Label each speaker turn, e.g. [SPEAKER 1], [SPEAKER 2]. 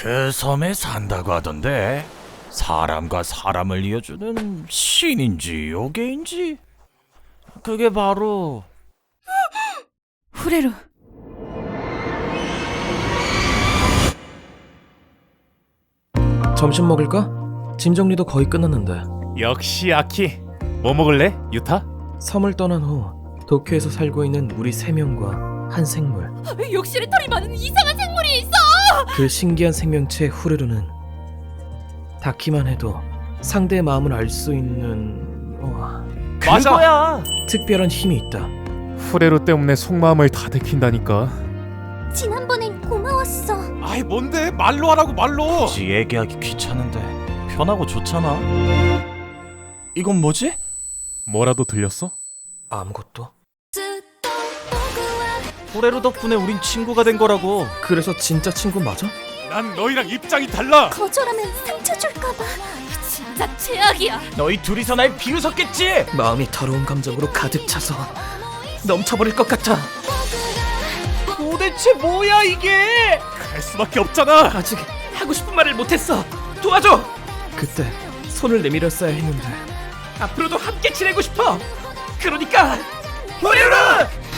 [SPEAKER 1] 그 섬에 산다고 하던데 사람과 사람을 이어주는 신인지 요괴인지 그게 바로
[SPEAKER 2] 후레루.
[SPEAKER 3] 점심 먹을까? 짐 정리도 거의 끝났는데.
[SPEAKER 4] 역시 아키. 뭐 먹을래, 유타?
[SPEAKER 3] 섬을 떠난 후 도쿄에서 살고 있는 우리 3명과 한 생물.
[SPEAKER 2] 욕실에 털이 많은 이상한 생물이 있어.
[SPEAKER 3] 그 신기한 생명체 후르르는 닿기만 해도 상대의 마음을 알 수 있는
[SPEAKER 4] 맞아.
[SPEAKER 1] 그거야.
[SPEAKER 3] 특별한 힘이 있다.
[SPEAKER 4] 후레로 때문에 속마음을 다 들킨다니까.
[SPEAKER 5] 지난번엔 고마웠어.
[SPEAKER 4] 아이 뭔데? 말로 하라고 말로.
[SPEAKER 1] 굳이 얘기하기 귀찮은데 편하고 좋잖아. 이건 뭐지?
[SPEAKER 4] 뭐라도 들렸어?
[SPEAKER 3] 아무것도.
[SPEAKER 1] 호레루 덕분에 우린 친구가 된 거라고.
[SPEAKER 3] 그래서 진짜 친구 맞아?
[SPEAKER 4] 난 너희랑 입장이 달라.
[SPEAKER 5] 거절하면 상처 줄까봐.
[SPEAKER 2] 진짜 최악이야.
[SPEAKER 1] 너희 둘이서 날 비웃었겠지?
[SPEAKER 3] 마음이 더러운 감정으로 가득 차서 넘쳐버릴 것 같아.
[SPEAKER 1] 도대체 뭐야 이게?
[SPEAKER 4] 갈 수밖에 없잖아.
[SPEAKER 3] 아직 하고 싶은 말을 못했어. 도와줘. 그때 손을 내밀었어야 했는데 앞으로도 함께 지내고 싶어. 그러니까 후레루!